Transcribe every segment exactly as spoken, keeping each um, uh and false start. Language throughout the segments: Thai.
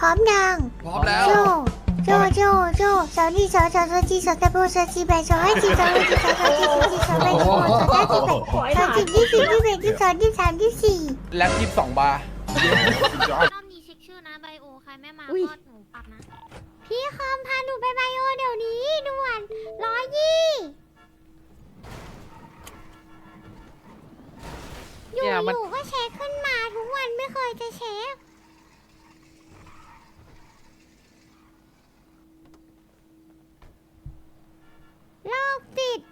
ร้อมยังพร้อมแล้วโจโจโจโจสาวนี่สาวสาวสาวจีสาวตะโบสาวจีแบสาวให้จีสาวให้จีสาวสาวจีสาวจีสาวแบสาวสาวจีแบสาวจีที่สี่ที่แบที่สองที่สามที่สี่แล็บยี่สิบสองบาร์รอบนี้เช็คชื่อนะไบโอใครไม่มาอุ๊ยก็หนูปรับนะพี่คอมพาหนูไปไบโอเดี๋ยวนี้ด่วนร้อยยี่อยู่เนี่ยมันอยู่ก็เช็คขึ้นมาทุกวันไม่เคยจะเช็คโรคติด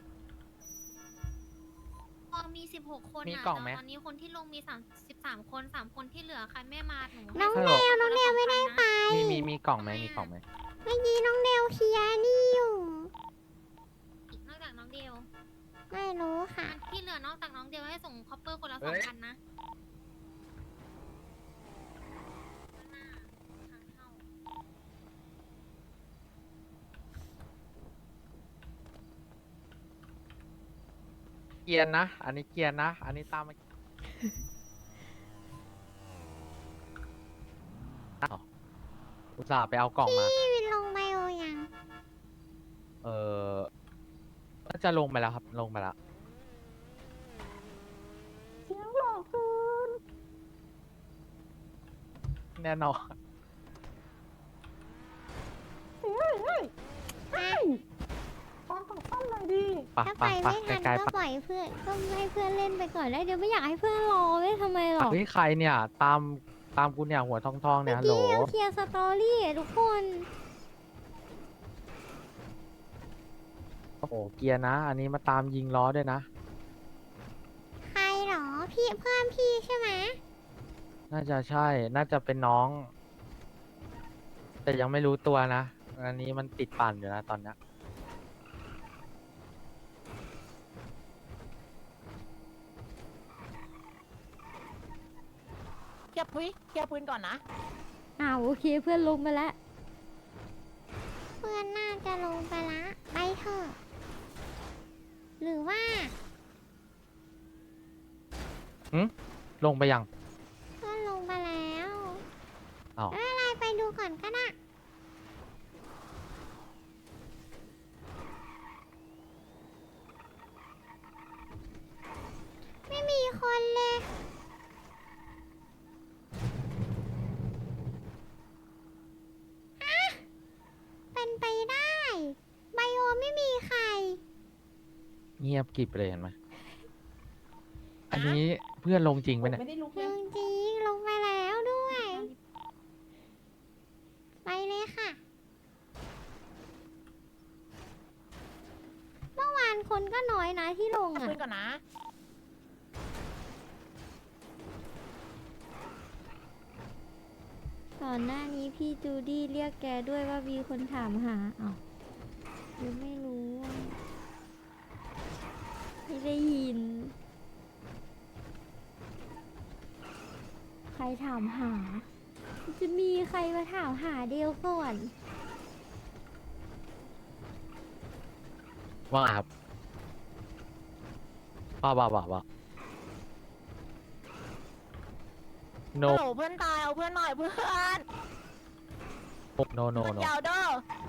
พอมีสิบหกคนมีอ่ะกล่องไหมแต่ตอนนี้คนที่ลงมีสามสิบสามคนสามคนที่เหลือใครไม่มาหนูให้น้องฮัลเดโหลวน้องเดวไม่ได้ไปมีมีมีกล่องไหมมีกล่องไหมเมื่อกี้น้องเดวเคลียร์นี่อยู่อีกนอกจากน้องเดียวไม่รู้ค่ะอันที่เหลือนอกจากน้องเดียวให้ส่งคอปเปอร์คนละเฮ้สองยพันนะหน้าทางเข้าเกียร์นะ อันนี้เกียร์นะ อันนี้ตามมาอ้าวอุตส่าห์ไปเอากล่องมาพี่วินลงไบโอยังเออน่าจะลงไปแล้วครับ ลงไปแล้วเสียงหลอกคืนแน่นอน ปะถ้าไปปะปะไม่ทันไกลๆก็ปะปล่อยเพื่อนก็ให้เพื่อนเล่นไปก่อนแล้วเดี๋ยวไม่อยากให้เพื่อนรอไว้ทำไมหรอเฮ้ยใครเนี่ย ตามตามกูเนี่ยหัวทองทองๆเนี่ยฮัลโหลเมื่อกี้ยังเคลียร์สตอรี่อะทุกคนโอ้โหเกียร์นะ อันนี้มาตามยิงล้อด้วยนะใครหรอพี่เพื่อนพี่ใช่ไหมน่าจะใช่ น่าจะเป็นน้อง แต่ยังไม่รู้ตัวนะ อันนี้มันติดปั่นอยู่นะตอนเนี้ยเคลียร์พื้นเคลียร์พื้นก่อนนะอ้าวโอเคเพื่อนลงไปแล้วเพื่อนน่าจะลงไปละไปเถอะหรือว่าลงไปยังเพื่อนลงไปแล้วอ้าวไม่เป็นไรไปดูก่อนก็ได้ไม่มีคนเลยอะเป็นไปได้ไบโอไม่มีใครเงียบกริบเลยเห็นไหม อันนี้เพื่อนลงจริงไหมเนี่ยไม่ได้ลุกจเลยริงๆลงไปแล้วด้วย ไปเลยค่ะ เมื่อวานคนก็น้อยนะที่ลงเคลียร์อ่ะพื้นก่อนนะก่อนหน้านี้พี่จูดี้เรียกแกด้วยว่ามีคนถามหาอ้าวยังไม่รู้อะไม่ได้ยิน ใครถามหา จะมีใครมาถามหาเดียวก่อนว่าไงครับว่าว่าว่าว่า no โอ้โหเพื่อนตาย เอาเพื่อนหน่อยเพื่อน no no มัน no ยาวเด้อ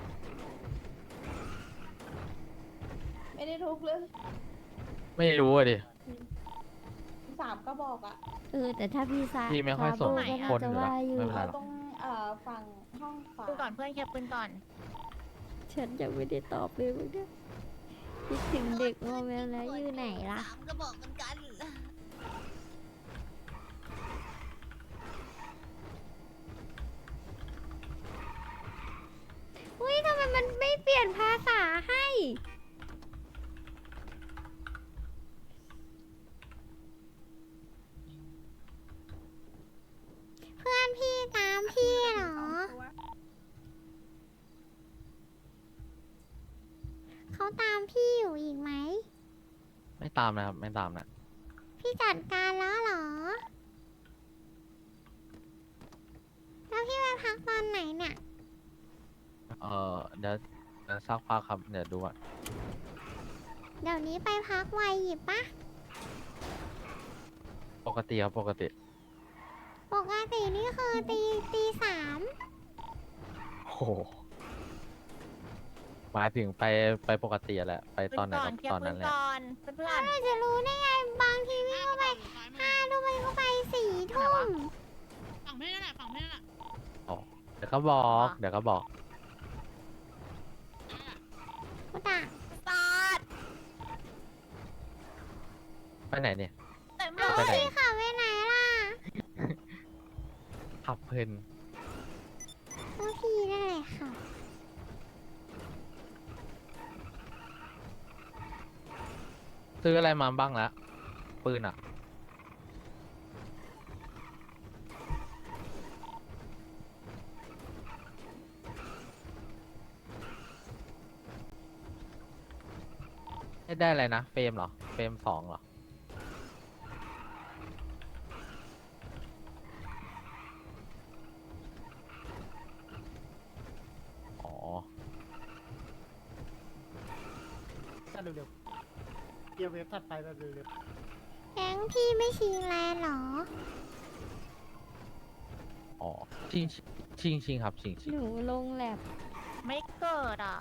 ไม่ได้ทุกเรื่องไม่รู้อะดิสามก็บอกอ่ะเออ แต่ถ้าพี่ซาพี่ไม่ค่อยสนซาโบก็คนจะอยู่ว่าแล้วอยู่ไม่เป็นไรเอาหรอกตรงเอ่อฝั่งห้องขวาปืนก่อนเพื่อนเคลียร์ปืนก่อนฉันยังไม่ได้ตอบเลยเมื่อกี้คิดถึงเด็กโมเมลแล้วอยู่ไหนล่ะสามก็บอกเหมือนกันอุ้ยทำไมมันไม่เปลี่ยนภาษาให้ เพื่อนพี่ตามพี่เหรอ เขาตามพี่อยู่อีกไหมไม่ตามนะครับ ไม่ตามนะพี่จัดการแล้วเหรอ แล้วพี่ไปพักตอนไหนเนี่ยเออเดี๋ยวเดี๋ยวสักพักครับ เดี๋ยวดูอ่ะเดี๋ยวนี้ไปพักไวหยิบปะปกติครับ ปกติปกตินี่คือตีตีสามโหหมายถึงไปไปปกติอะแหละ ไปปืตอนไหนก่อก็นเคลียตอนร์ปืนั้น นแหละก่อนเพื่อนเราจะรู้ได้ไงบางทีวิ่งเข้าไปห้าทุ่มมันเข้าไปสี่ทุ่มฝั่งไม่ได้แหละฝั่งไม่ได้แหละอ๋อ เดี๋ยวก็บอก เดี๋ยวก็บอกกูด่าๆตาดไปไหนเนี่ยเต็มเลเอาไปไหนยพี่ขับไปไหนล่ะขับเพลินก็พี่นั่นแหละค่ะซื้ออะไรมาบ้างแล้ว ปืนอ่ะ ให้ได้อะไรนะ เฟรมเหรอ เฟรมสองเหรอ อ๋อถ้าเร็วๆเกียร์เวฟถัดไปแบบเร็วแก๊งพี่ไม่ชิงแลนด์เหรออ๋อ ชิง ชิง ชิงครับ ชิง ชิงหนูลงแลบไม่เกิดอ่ะ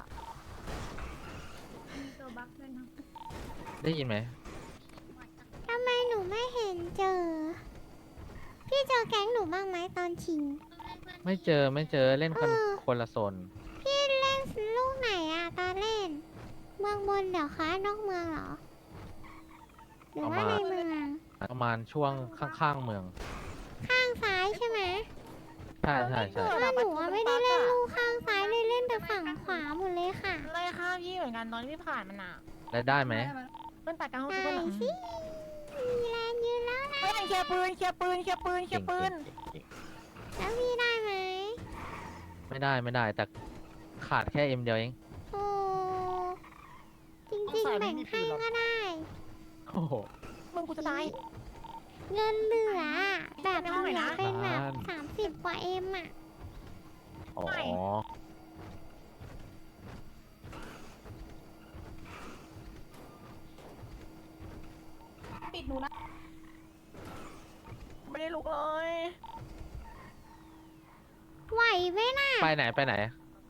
ตัวบั๊กด้วยนะได้ยินไหมทำไมหนูไม่เห็นเจอ พี่เจอแก๊งหนูบ้างไหมตอนชิงไม่เจอ ไม่เจอ เล่นคนเออคนละโซนพี่เล่นลูกไหนอะตอนเล่น เมืองบนเดี๋ยวคะนอกเมืองเหรอ หรือว่าในเมืองประมาณช่วงข้างๆเมืองข้างซ้ายใช่ไหมใช่ใช่ใช่เออว่าหนูอะไม่ได้เล่นลูกข้างซ้ายเลยเล่นแต่ฝั่งขวาหมดเลยค่ะเลยข้ามพี่เหมือนกันตอนที่ผ่านมันอ่ะได้ได้ไหมเพื่อนตัดกลางห้องได้เพื่อนหลังสิ มีแลนด์ยืนแล้วนะเพื่อนเคลียร์ปืนเคลียร์ปืนเคลียร์ปืนเคลียร์ปืนเก่งแล้วพี่ได้ไหมๆไม่ได้ไม่ได้ แต่ขาดแค่เอ็มเดียวเองโอ้จริงๆแบ่งให้ก็ได้โอ้โหมึงกูจะตายเงินเหลือแบบในห้องไหนเหลือนะเป็นแบบบ้านสามสิบกว่าเอ็มอะอ๋อไม่ปิดหนูนะไม่ได้ลุกเลยไหวไหมน่ะไปไหนไปไหน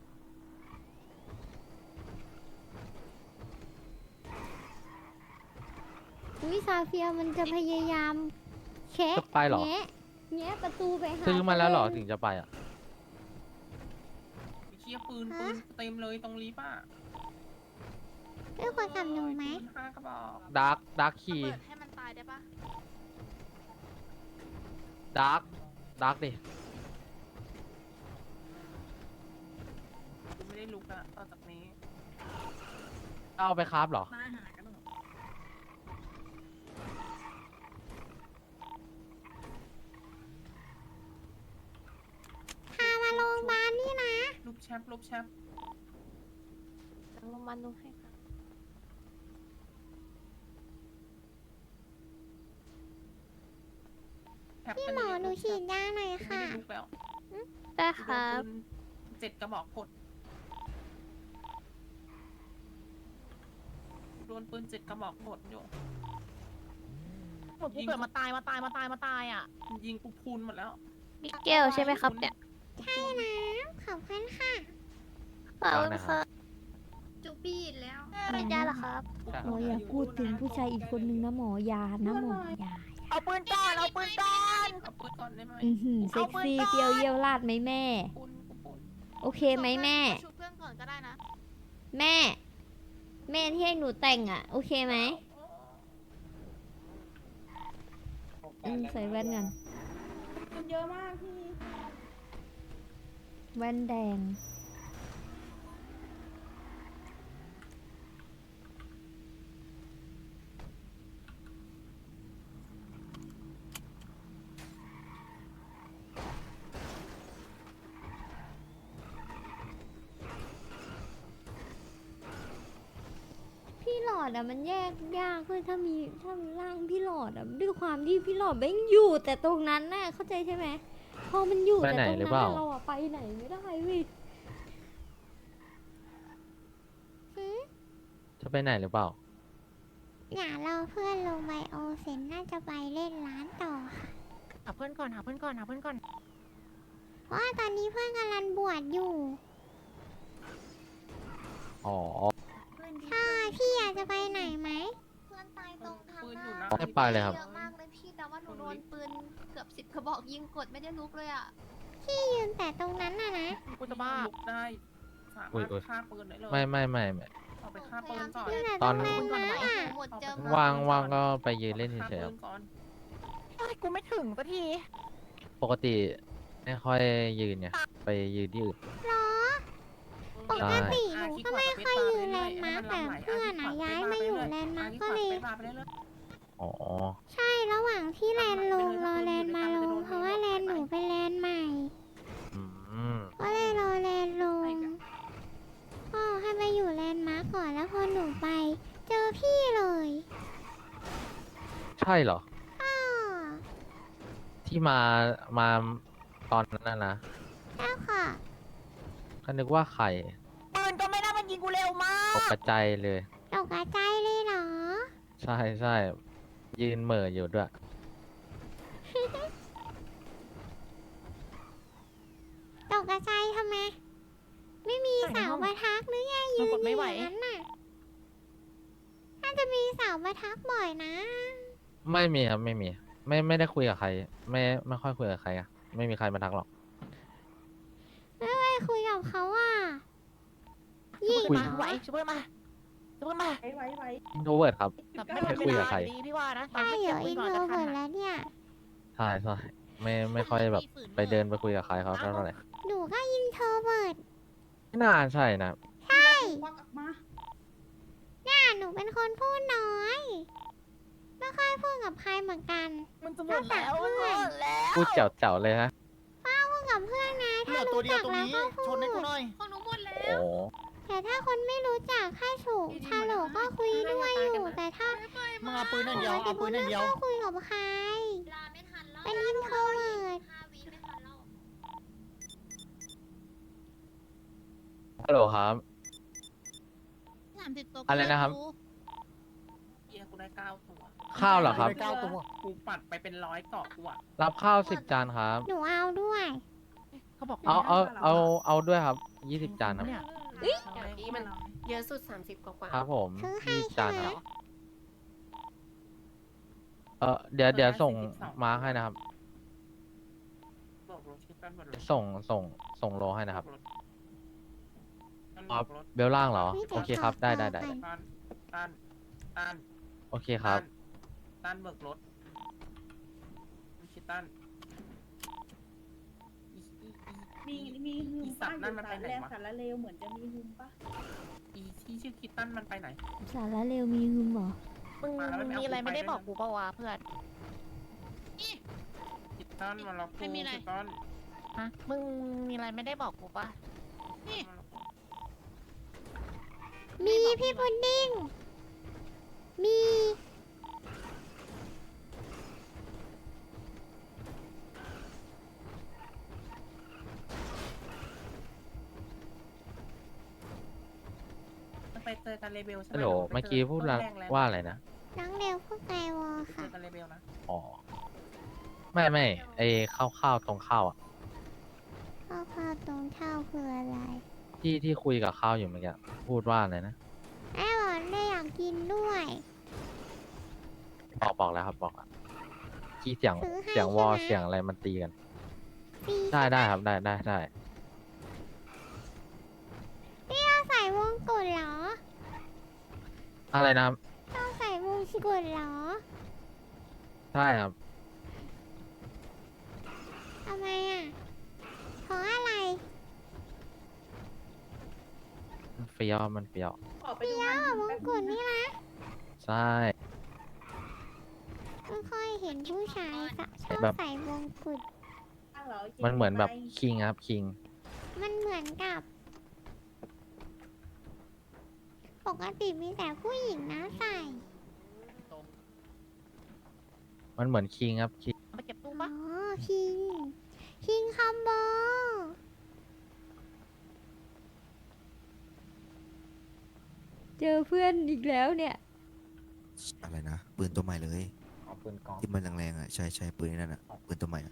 วิซาเฟียมันจะพยายามเช็คจะไปเหรอแงะแงะประตูไปหาซื้อมาแล้วเหรอตัวถึเองงจะไปอ่ะเชียร์ปืนปืนเต็มเลยตรงลิฟต์อ่ะได้คนกับหนูไหมปืนห้ากระบอกดาร์กดาร์กคีเปิดให้มันตายได้ปะดาร์กดาร์กดิไม่ได้ลุกอะต่อจากนี้เอาไปคราฟเหรอตายหากันหมดพามาโรงพยาบาลนี่นะลูกแชปลูกแชปลงมาดูให้ค่ะแชปพี่กันหมอเยะหนูฉีดยาหน่อยไม่ค่ะได้ลุกแล้วได้ครับโดนปืนเจ็ดกระบอกกดโดนปืนเจ็ดกระบอกกดอยู่หมดกูเกิดมาตายมาตายมาตายมาตายอ่ะยิงกูพูนหมดแล้วมิเกลใช่ไหมครับเนี่ยใช่นะขอบคุณค่ะขอบคุณครับจูปี้อีกแล้วไม่ได้หรอครับหมออย่าพูดถึงผู้ชายอีกคนนึงนะหมอยานะหมอยาเอาปืนก่อนเอาปืนก่อนเอาปืนก่อนได้ไหมอือหือเซ็กซี่เปรี้ยวเยี่ยวลาดไหมแม่ปูนกูปูนโอเคไหมแม่ชุบเพื่อนก่อนก็ได้นะแม่ แม่ที่ให้หนูแต่งอ่ะ โอเคไหมอืมใส่แว่นกันมันเยอะมากพี่แว่นแดง พี่หลอดอะมันแยกยากเลยถ้ามีถ้ามีร่างพี่หลอดอะด้วยความที่พี่หลอดแม่งอยู่แต่ตรงนั้นน่ะเข้าใจใช่ไหมพอมันอยู่ไปแต่ไหนตรงหรือนั้นเปล่าน่ะเราอะไปไหนไม่ได้เว้ยหืมจะไปไหนหรือเปล่าอย่าเราเพื่อนลงไบโอเซนน่าจะไปเล่นร้านต่อค่ะหาเพื่อนก่อนหาเพื่อนก่อนหาเพื่อนก่อนเพราะว่าตอนนี้เพื่อนกำลังบวชอยู่อ๋อใช่พี่อยากจะไปไหนไหมเพื่อนตายตรงทางปืนหอยู่น้านะไม่ไปเลยครับเยอะมากเลยพี่แต่ว่าหนูโดนปืนเกือบสิบกระบอกยิงกดไม่ได้ลุกเลยอ่ะพี่ยืนแต่ตรงนั้นน่ะนะกูจะบ้าลุกได้สาอุ๊มาย รถอุ๊ยฆ่าปืนได้เลยไม่ไม่ไม่ไม่เอาไปฆ่าปืนก่อนยืนแต่ตตอรนงนั้นก่อนไหวนะหมดเจอเอาไปมาว่างว่างก็ไปยืนเล่นฆ่าเฉยๆปืครับนก่อนเอ้ยกูไม่ถึงสักทีปกติไม่ค่อยยืนเนี่ยไปยืนที่อื่นหรอ ปกติหนูก็ไม่ค่อยยืนแลนด์มาร์คแต่เพื่อนอะย้ายมาอยู่แลนด์มาร์คก็เลยไปเรื่อยอ๋อใช่ระหว่างที่แลนด์ลงรอแลนด์มาลงเพราะว่าแลนด์หนูเป็นแลนด์ใหม่อืมก็เลยรอแลนด์ลงพ่อให้มาอยู่แลนด์มาร์คก่อนแล้วพอหนูไป เจอพี่เลยใช่เหรออ้อที่มามาตอนนั้นนะนะแล้วค่ะก็นึกว่าใครปืนก็ไม่ได้มันยิงกูเร็วมาตกกใจายเลยตกใจเลยเหรอใช่ใช่ยืนเหม่ออยู่ด้วยตกใจทำไม ไม่มีเสามาทักหรือไงยืนอยู่อย่างนั้นน่ะน่าจะมีเสามาทักบ่อยนะไม่มีครับไม่มี ไม่ไม่ได้คุยกับใคร ไม่ไม่ค่อยคุยกับใครอะไม่มีใครมาทักหรอกไม่ไปคุยกับเขาอ่ะยิยิ่งงมาไหวช่วยมาช่วยมาไว้ไว้ไว้อินโทรเวิร์ดครับแบบไม่ไม่ทันคุเวยกับลาใครดีพี่ว่านะใช่เหรออินโทรจะเวิทัร์นดแล้วเนี่ยใช่ใช่ไม่ไม่ค่อยแบบไปเดินไปคุยกับใครเขาเท่าไหร่หนูก็อินโทรเวิร์ดไม่น่าใช่นะใช่ควักออกมาน่าหนูเป็นคนพูดน้อย ไม่ค่อยพูดกับใครเหมือนกันมันจะหมดแล้วมันหมดแล้วพูดเจ๋วๆเลยฮะพูดกับเพื่อนนะเหลืถ้าอตัวรู้เดียจัวกตรงแล้วนี้ก็พูชนให้กูดหน่อยของหนูหมดแล้โอ้วแต่ถ้าคนไม่รู้จักแค่ถูกชาโหลก็คุยด้วยอยู่ แต่ถ้ามึงเอาปืนนั่นเดียว เอาปืนนั่นเดียวไม่ค่อยคุยกับใครลาไม่ทันแล้วเป็นอินโทรเวิร์ดห้าวิไม่ทันแล้วฮัลโหลครับสามสิบตัวอะไรนะครับเฮียกูได้เก้าตัวข้าวเหรอครับได้เก้าตัวกูปัดไปเป็นร้อยเกาะกูอะรับข้าวสิบจานครับหนูเอาด้วยเขาบอกเอาเอาเอาเอาด้วยครับยี่สิบจานครับเนี่ยนี่มันเยอะสุด สามสิบ กว่าครับผมซื้อให้ยี่สิบใช่จานไหมครับเออเดี๋ยวเดี๋ยวส่งมาร์คให้นะครับบอกรถชิปกันหมดเลยส่งส่งส่งโลให้นะครับตั้นอ๋อบอกรถเบลล่างเหรอ โอเคครับ ได้ได้ได้ไปตั้นตั้นตั้นโอเคครับตั้นเบิกรถไม่ใช่ตั้นอีอีอีมีมีฮึมอีสัตว์นั่นมันไปไหนแรงวะสารเลวเหมือนจะมีฮึมปะอีที่ชื่อคิตตันมันไปไหนสาระเร็วมีหึมเหรอมึงมาแล้วมันไม่เอามีอะไรกูไปไม่ได้ด้วยบอกนะกูเปล่าวะเพื่อนคิตตันมาล็อกกูคิตตันฮะมึงมีอะไรไม่ได้บอกกูปะมีพี่พุดดิ้ง มีมันไปเจอกันเลเบลใช่ไหมฮัลโหลรือเมื่อกี้พูดละต้นแรงแล้วว่าอะไรนะน้องเร็วพวกไกวอไปเจค่ะอกันเลเบลนะอ๋อ ไม่ไม่ไอข้าวข้าวตรงข้าวอ่ะข้าวข้าวตรงเท่าคืออะไรที่ที่คุยกับข้าวอยู่เมื่อกี้พูดว่าอะไรนะไอ้บอกได้อยากกินด้วยบอกบอกแล้วครับบอกแล้วที่เสียงซื้อให้เสียงวอลใช่ไหมเสียงอะไรมันตีกันฟรีได้ได้ครับได้ได้ได้พี่ต้องใส่วงกุฎเหรออะไรนะครับต้องใส่วงกุฎเหรอใช่ครับทำไมอ่ะ เพราะอะไรมันเฟี้ยวมันเฟี้ยวออกไปเปีดูยงานววงกุฎนี่นะใช่ไม่ค่อยเห็นผู้ชายสะชอบแบบใส่วงกุฎข้างเหรอจริงมันเหมือนแบบไปคิงครับคิงมันเหมือนกับ ปกติมีแต่ผู้หญิงนะใส่มันเหมือนคิงครับคิงมาเก็บตู้อ๋อปะคิง คิงคอมโบเจอเพื่อนอีกแล้วเนี่ยอะไรนะปืนตัวใหม่เลยเอาปืนกองที่มันแรงๆอ่ะใช่ใช่ปืนนั่นอ่ะปืนตัวใหม่อ่ะ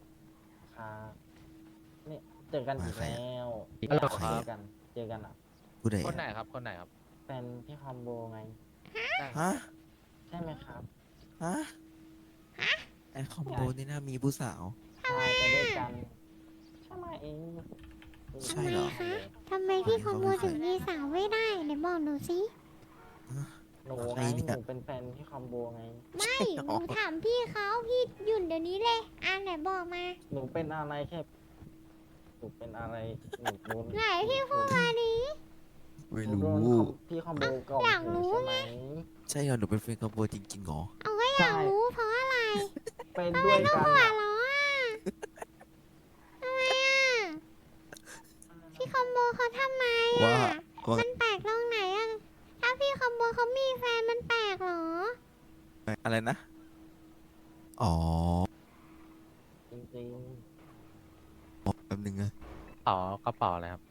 ครับนี่เจอกันอีกแล้วฮัลโหลคใครรับเจอกัน เจอกันอ่ะผู้ใดคนไหนอะครับคนไหนครับเป็นพี่คอมโบไงฮะใช่ไหมครับฮะไอคอมโบนี่น่ามีผู้สาวใช่ไปด้วยกันใช่ไหมเองใช่เหรอทำไมคะทำไมพี่คอมโบถึงมีสาวไม่ได้ไหนบอกหนูสิหนูใครไงเนี่ยหนูเป็นแฟนพี่คอมโบไงไม่หนูถามพี่เขาพี่หยุ่นเดี๋ยวนี้เลยอ่ะไหนบอกมาหนูเป็นอะไรแค่หนูเป็นอะไรหนูโดนไหนพี่พูดมาดิไม่หนูโดรู้นพี่คอมโบก่อนอยากรู้ใช่ไหมใช่เหรอหนูเป็นแฟนคอมโบจริงๆเหรอเอาก็อยากรู้เพราะอะไรเป็นด้วยกันหัวอะเราะอ่ะทำไมอ่ะพี่คอมโบเขาทำไมว่าอ่ะว่ามันแปลกตรงไหนอ่ะถ้าพี่คอมโบเขามีแฟนมันแปลกเหรออะไรนะ อ๋อจริงแป๊บนึงนะต่อกระเป๋าอะไรครับ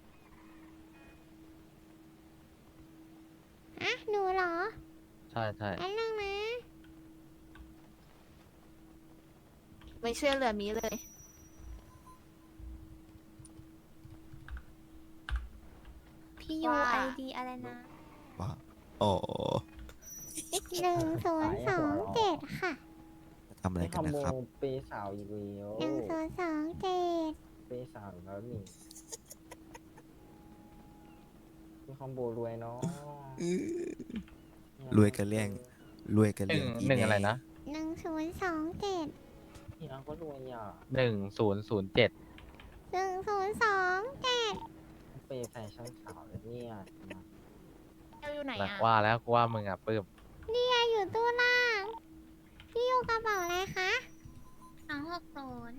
อ่ะหนูเหรอใช่ใช่อันนึงนะไม่เชื่อเหลือมีเลยพี่ยูว่าไอดีอะไรนะว่าอ๋อหนึ่งศูนย์สองเจ็ดค่ะทำๆอะไรพี่คกัอน มนะโบครับเปย์สาวอีกแล้วหนึ่งศูนย์สองเจ็ดเปย์สาวอีกแล้วนี่พี่คอมโบรวยเนาะรวยกันเรื่อง รวยกันหนึ่เรื่อง งหนึ่งอะไรนะหนึ่งศูนย์สองเจ็ดพี่น้องก็รวยอ่ะหนึ่งศูนย์ศูนย์เจ็ดหนึ่งศูนย์สองเจ็ดเปย์แฟชั่นสาวเลยเนี่ยเอลอยู่ไหนอ่ะว่าแล้วกูว่ามึงอ่ะปื้มนี่ไงอยู่ตู้ล่าง พี่อยู่กระเป๋าอะไรคะสองหกศูนย์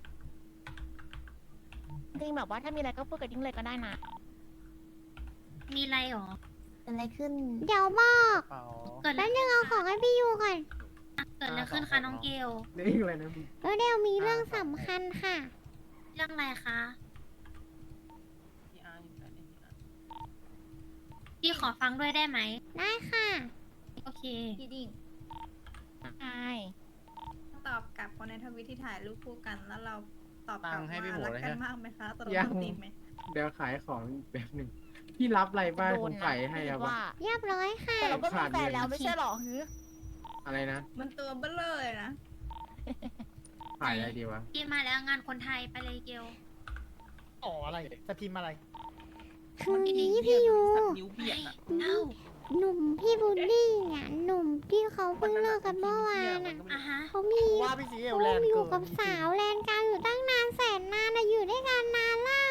จริงแบบว่าถ้ามีอะไรก็พูดกับดิ้งเลยก็ได้นะมีอะไรหรอเกิดอะไรขึ้นเดี๋ยวบอกเปล่าเกิดอะไรแป๊บนึงเอาของให้พี่ยูก่อนเกิดอะไรขึ้นคะน้องเกลเรื่องอะไรนะพี่แล้วเดี๋ยวมีเรื่องสำคัญค่ะเรื่องอะไรคะพี่อาร์อยู่ไหนพี่อาร์พี่ขอฟังด้วยได้ไหมได้ค่ะโอเคพี่ดิ่งใช่ตอบกลับคนในทวิตที่ถ่ายรูปคู่กัน แล้วเราตอบกลับตังค์ให้ว่าพี่หมูรักเลยกันฮะมากไหมคะตกลงยังตีมไหมเดี๋ยวขายของอีกแบบหนึ่งพี่รับอะไรบ้างโดผนมนะใส่ให้คิครับดว่าเรียบร้อยค่ะแต่เราก็มีแฟนแล้วไม่ใช่หรอฮืออะไรนะมันตัวเบ้อเลยนะขายอะไรดีวะพี่มาแล้วงานคนไทยไปเลยเกลอ๋ออะไรจะพิมพ์อะไรคือนี้พี่ยูนิ้วเบียดอะเอ้าหนุ่มพี่บูดดี้อ่ะหนุ่มที่เขาเพิ่งเลิกกันเมื่อวานอ่ะอ่ะฮะเขามีว่าพี่สีเอเขาลแลนด์อเกิยู่นกับสาวแลนกลางอยู่ตั้งนานแสนนานอะอยู่ด้วยกันนานแล้ว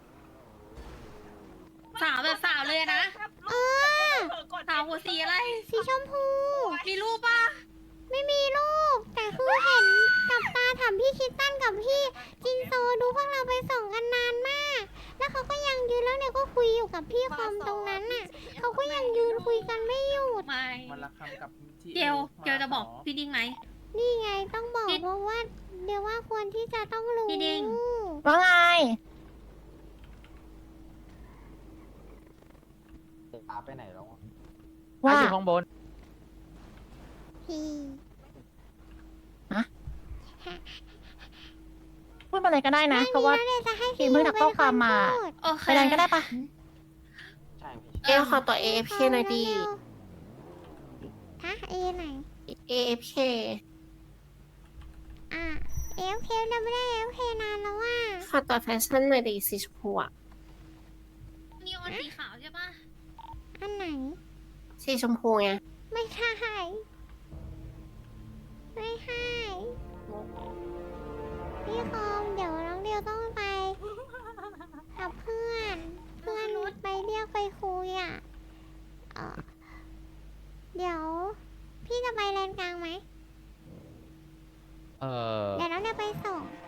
สาวแบบสาวเลยนะเออสาวหัวสีอะไรสีชมพูมีรูปปะไม่มีลูก แต่คือเห็นกับตาถามพี่คิดตั้นกับพี่จินโซดูพวกเราไปส่งกันนานมาก แล้วเขาก็ยังยืนแล้วเนี่ยก็คุยอยู่กับพี่คอมตรงนั้นน่ะ เขาก็ยังยืนคุยกันไม่หยุดไม่มันละคำกับที่เกลเกลจะบอกพี่ดิ้งไหมนี่ไงต้องบอกพี่เพราะว่าเดี๋ยวว่าควรที่จะต้องรู้พี่ดิ้งว่าไงตาไปไหนแล้วอะว่าอยู่ข้างบนพี่พูดอะไรก็ได้นะ เพราะว่าไม่มีแล้วเดี๋ยวจะให้ทีพี่มเพิ่งทักข้อความมาพูดโอเคไปดันก็ได้ปะใช่พี่เกลขอตัว เอ เอฟ เค หน่อยดีฮะเอไหนเอ เอฟ เคอ่ะเอฟเคเราไม่ได้เอฟเคนานแล้วว่าขอตัวแฟชั่นหน่อยดีสีชมพูอะนีออนสีขาวใช่ปะอันไหนสีชมพูไงไม่ใช่ไม่ใช่พี่คอมเดี๋ยวน้องเดียวต้องไปกับเพื่อน เพื่อนไปเรียกไปคุยอ่ะเอ่อเดี๋ยว พี่จะไปแลนกลางไหมเออเดี๋ยวน้องเดียวไปส่ง